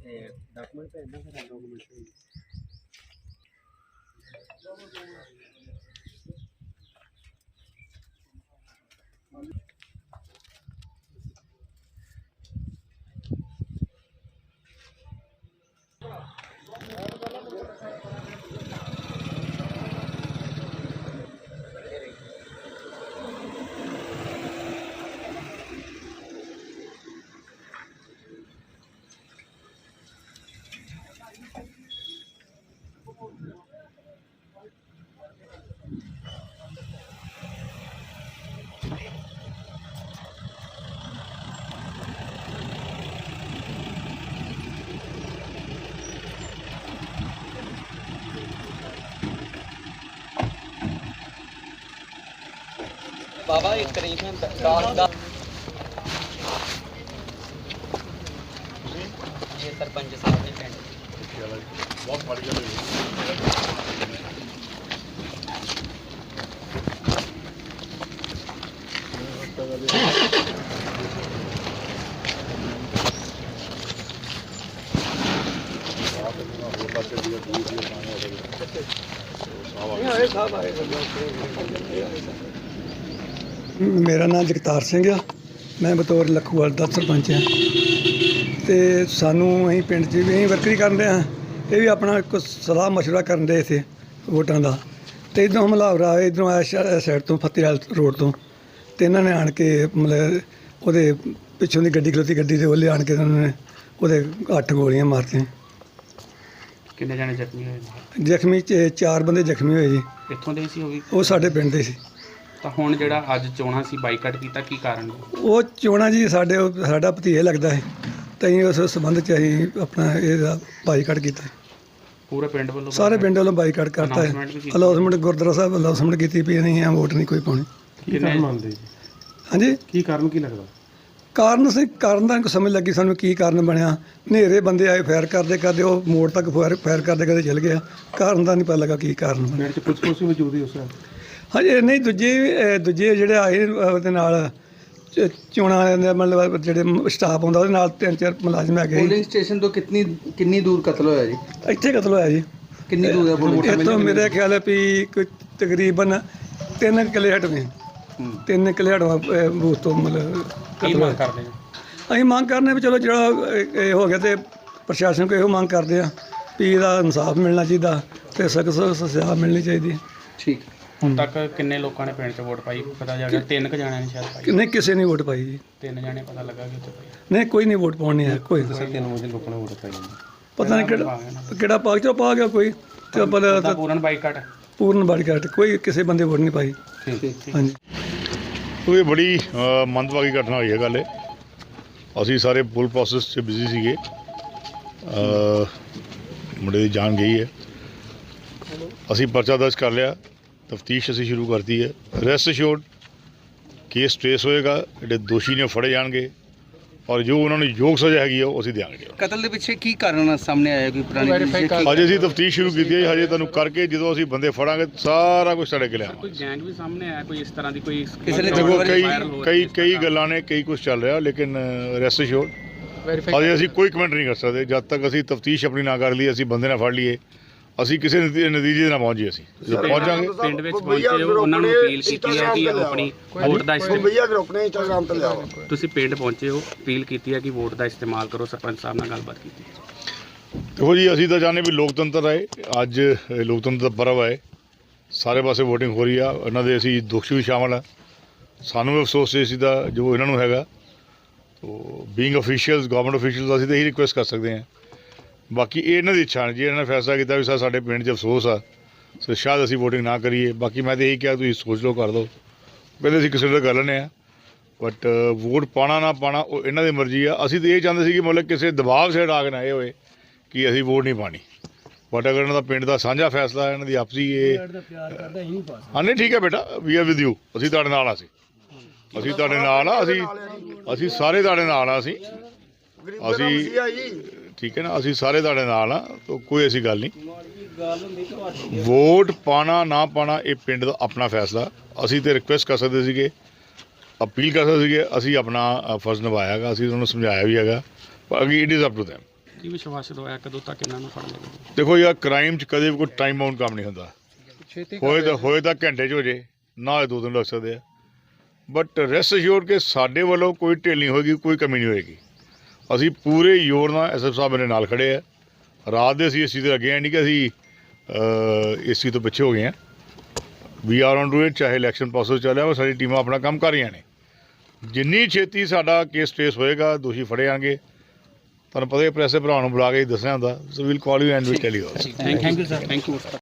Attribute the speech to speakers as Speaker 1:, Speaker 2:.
Speaker 1: Document ਭੇਜਣਾ ਫਿਰ document बाबा एक करीबन 10 ये सरपंच साहब ने पिंड बहुत बढ़िया
Speaker 2: मेरा नाम जगतार सिंह आ। मैं बतौर लखूवाल दा सरपंच हाँ। तो सानू अं पिंड च भी वर्करी कर रहे हैं। ये भी अपना कुछ सलाह मशवरा कर रहे थे वोटां का। तो इधरों हमलावर आए, इधरों आया साइड तो फतेहाल रोड तो इन्होंने आन के मतलब वो पिछों की गड्डी खलोती, गड्डी के ओले आन के उन्होंने वो 8 गोलियां मारती।
Speaker 1: कितने जाने जख्मी हुए?
Speaker 2: जख्मी 4 बंदे जख्मी हुए जी।
Speaker 1: कित्थों दे सी?
Speaker 2: वो साडे पिंड दे सी।
Speaker 1: ਤਾਂ ਹੁਣ ਜਿਹੜਾ ਅੱਜ ਚੋਣਾਂ ਸੀ ਬਾਈਕਾਟ ਕੀਤਾ, ਕੀ ਕਾਰਨ?
Speaker 2: ਉਹ ਚੋਣਾਂ ਜੀ ਸਾਡਾ ਭਤੀਜਾ ਲੱਗਦਾ ਹੈ, ਤਾਂ ਅਸੀਂ ਉਸ ਸੰਬੰਧ 'ਚ ਅਸੀਂ ਆਪਣਾ ਇਹਦਾ ਬਾਈਕਾਟ ਕੀਤਾ।
Speaker 1: ਪੂਰੇ ਪਿੰਡ ਵੱਲੋਂ? ਸਾਰੇ
Speaker 2: ਪਿੰਡ ਵੱਲੋਂ ਬਾਈਕਾਟ ਕਰਤਾ ਹੈ। ਅਨਾਉਂਸਮੈਂਟ ਗੁਰਦੁਆਰਾ ਸਾਹਿਬ ਅਨਾਉਂਸਮੈਂਟ ਕੀਤੀ ਵੀ ਨਹੀਂ ਆ ਵੋਟ ਨਹੀਂ ਕੋਈ ਪਾਉਣੀ।
Speaker 1: ਕੀ ਕਾਰਨ ਮੰਨਦੇ ਜੀ?
Speaker 2: ਹਾਂਜੀ,
Speaker 1: ਕੀ ਕਾਰਨ ਕੀ ਲੱਗਦਾ?
Speaker 2: ਕਾਰਨ ਦਾ ਸਮਝ ਲੱਗੀ ਸਾਨੂੰ ਕੀ ਕਾਰਨ ਬਣਿਆ। ਹਨੇਰੇ ਬੰਦੇ ਆਏ, ਫਾਇਰ ਕਰਦੇ ਉਹ ਮੋੜ ਤੱਕ ਫਾਇਰ ਕਰਦੇ ਚਲ ਗਿਆ। ਕਾਰਨ ਦਾ ਨਹੀਂ ਪਤਾ ਲੱਗਾ ਕੀ ਕਾਰਨ ਬਣਿਆ।
Speaker 1: ਪੁਲਿਸ ਵੀ ਮੌਜੂਦ ਹੀ ਉਸ ਟਾਈਮ?
Speaker 2: ਹਾਂਜੀ, ਨਹੀਂ ਦੂਜੇ ਜਿਹੜੇ ਆਏ ਉਹਦੇ ਨਾਲ ਚੋਣਾਂ ਦੇ ਮਤਲਬ ਜਿਹੜੇ ਸਟਾਫ ਆਉਂਦਾ ਉਹਦੇ ਨਾਲ 3-4 ਮੁਲਾਜ਼ਮ ਹੈਗੇ।
Speaker 3: ਪੋਲਿੰਗ ਸਟੇਸ਼ਨ ਤੋਂ ਕਿੰਨੀ ਦੂਰ ਕਤਲ ਹੋਇਆ ਜੀ?
Speaker 2: ਇੱਥੇ ਕਤਲ ਹੋਇਆ ਜੀ।
Speaker 3: ਕਿੰਨੀ ਦੂਰ ਹੈ ਪੋਲਿੰਗ?
Speaker 2: ਇੱਥੋਂ ਮੇਰੇ ਖਿਆਲ ਹੈ ਵੀ ਕੋਈ ਤਕਰੀਬਨ 3 ਕਿਲੇ ਹਟਵੇਂ 3 ਕਿਲੇ ਹਟਵਾ ਬੂਥ ਤੋਂ ਮਤਲਬ
Speaker 1: ਕੀ ਮੰਗ ਕਰਦੇ ਆ?
Speaker 2: ਅਸੀਂ ਮੰਗ ਕਰਨੇ ਵੀ ਚਲੋ ਜਿਹੜਾ ਇਹ ਹੋ ਗਿਆ ਤੇ ਪ੍ਰਸ਼ਾਸਨ ਕੋਲ ਇਹੋ ਮੰਗ ਕਰਦੇ ਆ ਵੀ ਇਹਦਾ ਇਨਸਾਫ ਮਿਲਣਾ ਚਾਹੀਦਾ ਤੇ ਸਖਤ ਸਜ਼ਾ ਮਿਲਣੀ ਚਾਹੀਦੀ।
Speaker 3: ਠੀਕ।
Speaker 1: ਹੁਣ ਤੱਕ ਕਿੰਨੇ ਲੋਕਾਂ ਨੇ ਪਿੰਡ 'ਚ ਵੋਟ ਪਾਈ ਪਤਾ ਜਾ ਗਿਆ? 3 ਕੁ ਜਾਣਿਆਂ ਨੇ ਸ਼ਾਇਦ ਪਾਈ।
Speaker 2: ਨਹੀਂ, ਕਿਸੇ ਨੇ ਵੋਟ ਪਾਈ ਜੀ।
Speaker 1: 3 ਜਾਣੇ ਪਤਾ ਲੱਗਾ ਕਿ ਉੱਥੇ ਪਾਈ?
Speaker 2: ਨਹੀਂ, ਕੋਈ ਨਹੀਂ ਵੋਟ ਪਾਉਣੀ ਹੈ। ਕੋਈ
Speaker 1: 3 ਵਜੇ ਲੋਕਾਂ ਨੇ ਵੋਟ ਪਾਈ।
Speaker 2: ਪਤਾ ਨਹੀਂ ਕਿਹੜਾ ਪਾਕ ਚੋਂ ਪਾ ਗਿਆ ਕੋਈ ਤੇ ਆਪਾਂ
Speaker 1: ਪੂਰਨ ਬਾਈਕਾਟ?
Speaker 2: ਪੂਰਨ ਬਾਈਕਾਟ, ਕੋਈ ਕਿਸੇ ਬੰਦੇ ਵੋਟ ਨਹੀਂ ਪਾਈ। ਹਾਂਜੀ,
Speaker 4: ਇਹ ਬੜੀ ਮੰਦਭਾਗੀ ਘਟਨਾ ਹੋਈ ਹੈ। ਗੱਲ ਅਸੀਂ ਸਾਰੇ ਪੁਲ ਪ੍ਰੋਸੈਸ 'ਚ ਬਿਜ਼ੀ ਸੀਗੇ। ਮੁੰਡੇ ਦੀ ਜਾਨ ਗਈ ਹੈ। ਅਸੀਂ ਪਰਚਾ ਦਰਜ ਕਰ ਲਿਆ, ਤਫਤੀਸ਼ ਅਸੀਂ ਸ਼ੁਰੂ ਕਰਤੀ ਹੈ। ਰੈਸਟ ਅਸ਼ੋਰਡ ਕੇਸ ਟ੍ਰੇਸ ਹੋਏਗਾ, ਜਿਹੜੇ ਦੋਸ਼ੀ ਨੇ ਫੜੇ ਜਾਣਗੇ ਔਰ ਜੋ ਉਹਨਾਂ ਨੂੰ ਯੋਗ ਸਜ਼ਾ ਹੈਗੀ ਆ ਉਹ ਅਸੀਂ ਦਿਆਂਗੇ।
Speaker 3: ਕਤਲ ਦੇ ਪਿੱਛੇ ਕੀ ਕਾਰਨ ਸਾਹਮਣੇ ਆਇਆ? ਕੋਈ ਪੁਰਾਣੀ
Speaker 4: ਅਜੇ ਅਸੀਂ ਤਫਤੀਸ਼ ਸ਼ੁਰੂ ਕੀਤੀ ਹੈ। ਹਜੇ ਤੁਹਾਨੂੰ ਕਰਕੇ ਜਦੋਂ ਅਸੀਂ ਬੰਦੇ ਫੜਾਂਗੇ ਸਾਰਾ ਕੁਝ ਸਾਡੇ ਕੋਲ ਆਵੇਗਾ।
Speaker 1: ਕੋਈ ਗੈਂਗ ਵੀ ਸਾਹਮਣੇ ਆਇਆ ਕੋਈ ਇਸ ਤਰ੍ਹਾਂ ਦੀ? ਕੋਈ
Speaker 4: ਕਈ ਗੱਲਾਂ ਨੇ, ਕਈ ਕੁਝ ਚੱਲ ਰਿਹਾ, ਲੇਕਿਨ ਰੈਸਟ ਅਸ਼ੋਰਡ ਅਜੇ ਅਸੀਂ ਕੋਈ ਕਮੈਂਟ ਨਹੀਂ ਕਰ ਸਕਦੇ ਜਦ ਤੱਕ ਅਸੀਂ ਤਫਤੀਸ਼ ਆਪਣੀ ਨਾ ਕਰ ਲਈ, ਅਸੀਂ ਬੰਦੇ ਨਾ ਫੜ ਲਈਏ, ਅਸੀਂ ਕਿਸੇ ਨਤੀਜੇ ਨਾਲ ਪਹੁੰਚੀਏ। ਅਸੀਂ ਜਦੋਂ ਪਹੁੰਚਾਂਗੇ
Speaker 1: ਪਿੰਡ ਵਿੱਚ ਪਹੁੰਚੇ ਉਹਨਾਂ ਨੂੰ ਅਪੀਲ ਕੀਤੀ ਹੈ ਕਿ ਆਪਣੀ ਵੋਟ ਦਾ ਇਸਤੇਮਾਲ, ਤੁਸੀਂ ਪਿੰਡ ਪਹੁੰਚੇ ਹੋ, ਅਪੀਲ ਕੀਤੀ ਹੈ ਕਿ ਵੋਟ ਦਾ ਇਸਤੇਮਾਲ ਕਰੋ। ਸਰਪੰਚ ਸਾਹਿਬ ਨਾਲ ਗੱਲਬਾਤ ਕੀਤੀ?
Speaker 4: ਦੇਖੋ ਜੀ, ਅਸੀਂ ਤਾਂ ਚਾਹੁੰਦੇ ਵੀ ਲੋਕਤੰਤਰ ਆਏ, ਅੱਜ ਲੋਕਤੰਤਰ ਦਾ ਪਰਵ ਹੈ, ਸਾਰੇ ਪਾਸੇ ਵੋਟਿੰਗ ਹੋ ਰਹੀ ਆ। ਇਹਨਾਂ ਦੇ ਅਸੀਂ ਦੋਸ਼ੀ ਵੀ ਸ਼ਾਮਲ ਆ। ਸਾਨੂੰ ਵੀ ਅਫਸੋਸ ਇਸ ਦਾ ਜੋ ਇਹਨਾਂ ਨੂੰ ਹੈਗਾ। ਤੋ ਬੀਇੰਗ ਅਫੀਸ਼ੀਅਲਸ, ਗਵਰਨਮੈਂਟ ਅਫੀਸ਼ੀਅਲਸ, ਅਸੀਂ ਤਾਂ ਇਹੀ ਰਿਕੁਐਸਟ ਕਰ ਸਕਦੇ ਹਾਂ। ਬਾਕੀ ਇਹ ਇਹਨਾਂ ਦੀ ਇੱਛਾ ਜੀ, ਇਹਨਾਂ ਨੇ ਫੈਸਲਾ ਕੀਤਾ ਵੀ ਸਰ ਸਾਡੇ ਪਿੰਡ 'ਚ ਅਫਸੋਸ ਆ, ਸੋ ਸ਼ਾਇਦ ਅਸੀਂ ਵੋਟਿੰਗ ਨਾ ਕਰੀਏ। ਬਾਕੀ ਮੈਂ ਤਾਂ ਇਹੀ ਕਿਹਾ ਤੁਸੀਂ ਸੋਚ ਲਓ, ਕਰ ਦਿਓ। ਪਹਿਲੇ ਅਸੀਂ ਕਿਸੇ ਦਾ ਕਰ ਲੈਂਦੇ ਹਾਂ, ਬਟ ਵੋਟ ਪਾਉਣਾ ਨਾ ਪਾਉਣਾ ਉਹ ਇਹਨਾਂ ਦੀ ਮਰਜ਼ੀ ਆ। ਅਸੀਂ ਤਾਂ ਇਹ ਚਾਹੁੰਦੇ ਸੀ ਕਿ ਮਤਲਬ ਕਿਸੇ ਦਬਾਅ ਸੇ ਆ ਕੇ ਨਾ ਇਹ ਹੋਏ ਕਿ ਅਸੀਂ ਵੋਟ ਨਹੀਂ ਪਾਣੀ। ਬਟ ਅਗਰ ਇਹਨਾਂ ਦਾ ਪਿੰਡ ਦਾ ਸਾਂਝਾ ਫੈਸਲਾ, ਇਹਨਾਂ ਦੀ ਆਪਸੀ ਇਹ ਹਾਂ, ਨਹੀਂ ਠੀਕ ਹੈ ਬੇਟਾ, ਵੀ ਆਰ ਵਿਦ ਯੂ, ਅਸੀਂ ਤੁਹਾਡੇ ਨਾਲ ਆ। ਅਸੀਂ ਤੁਹਾਡੇ ਨਾਲ ਆ, ਅਸੀਂ ਸਾਰੇ ਤੁਹਾਡੇ ਨਾਲ ਆ। ਅਸੀਂ ਠੀਕ ਹੈ ਨਾ, ਅਸੀਂ ਸਾਰੇ ਤੁਹਾਡੇ ਨਾਲ ਆ, ਤਾਂ ਕੋਈ ਐਸੀ ਗੱਲ ਨਹੀਂ। ਵੋਟ ਪਾਉਣਾ ਨਾ ਪਾਉਣਾ ਇਹ ਪਿੰਡ ਦਾ ਆਪਣਾ ਫੈਸਲਾ। ਅਸੀਂ ਤਾਂ ਰਿਕੁਐਸਟ ਕਰ ਸਕਦੇ ਸੀਗੇ, ਅਪੀਲ ਕਰ ਸਕਦੇ ਸੀਗੇ, ਅਸੀਂ ਆਪਣਾ ਫਰਜ਼ ਨਿਭਾਇਆ ਹੈਗਾ, ਅਸੀਂ ਉਹਨਾਂ ਨੂੰ ਸਮਝਾਇਆ ਵੀ ਹੈਗਾ, ਪਰ ਅਗੇ it is up to them.
Speaker 1: ਕੀ ਵਿਸ਼ਵਾਸ ਦਵਾਇਆ ਕਦੋਂ ਤੱਕ ਇਹਨਾਂ ਨੂੰ ਫੜ ਲਏਗਾ?
Speaker 4: ਦੇਖੋ ਯਾਰ, ਕ੍ਰਾਈਮ 'ਚ ਕਦੇ ਵੀ ਕੋਈ ਟਾਈਮ ਬਾਉਂਡ ਕੰਮ ਨਹੀਂ ਹੁੰਦਾ। ਹੋਏ ਤਾਂ ਘੰਟੇ 'ਚ ਹੋ ਜੇ, ਨਾ ਹੋਏ 2 ਦਿਨ ਲੱਗ ਸਕਦੇ ਆ। ਬਟ ਰੈਸਟ ਅਸ਼ੋਰ ਕਿ ਸਾਡੇ ਵੱਲੋਂ ਕੋਈ ਢਿੱਲ ਨਹੀਂ ਹੋਏਗੀ, ਕੋਈ ਕਮੀ ਨਹੀਂ ਹੋਏਗੀ। ਅਸੀਂ ਪੂਰੇ ਜ਼ੋਰ ਨਾਲ ਐਸਐਫ ਸਾਹਿਬ ਮੇਰੇ ਨਾਲ ਖੜੇ ਆ। ਰਾਤ ਦੇ ਅਸੀਂ ਇਸ ਚੀਜ਼ ਦੇ ਲੱਗੇ ਹਾਂ, ਨਹੀਂ ਕਿ ਅਸੀਂ ਇਸ ਚੀਜ਼ ਤੋਂ ਪਿੱਛੇ ਹੋ ਗਏ ਹਾਂ। We are on to it, ਚਾਹੇ ਇਲੈਕਸ਼ਨ ਪ੍ਰੋਸੈਸ ਚੱਲਿਆ ਵਾ, ਸਾਡੀ ਟੀਮਾਂ ਆਪਣਾ ਕੰਮ ਕਰ ਰਹੀਆਂ ਨੇ। ਜਿੰਨੀ ਛੇਤੀ ਸਾਡਾ ਕੇਸ ਟ੍ਰੇਸ ਹੋਏਗਾ, ਦੋਸ਼ੀ ਫੜੇ ਆਣਗੇ। ਤੁਹਾਨੂੰ ਪਤਾ ਹੀ ਪ੍ਰੈਸ ਦੇ ਭਰਾ ਨੂੰ ਬੁਲਾ ਕੇ ਦੱਸਿਆ ਹੁੰਦਾ। So we'll call you and we'll tell you also.
Speaker 1: Thank you sir. Thank you.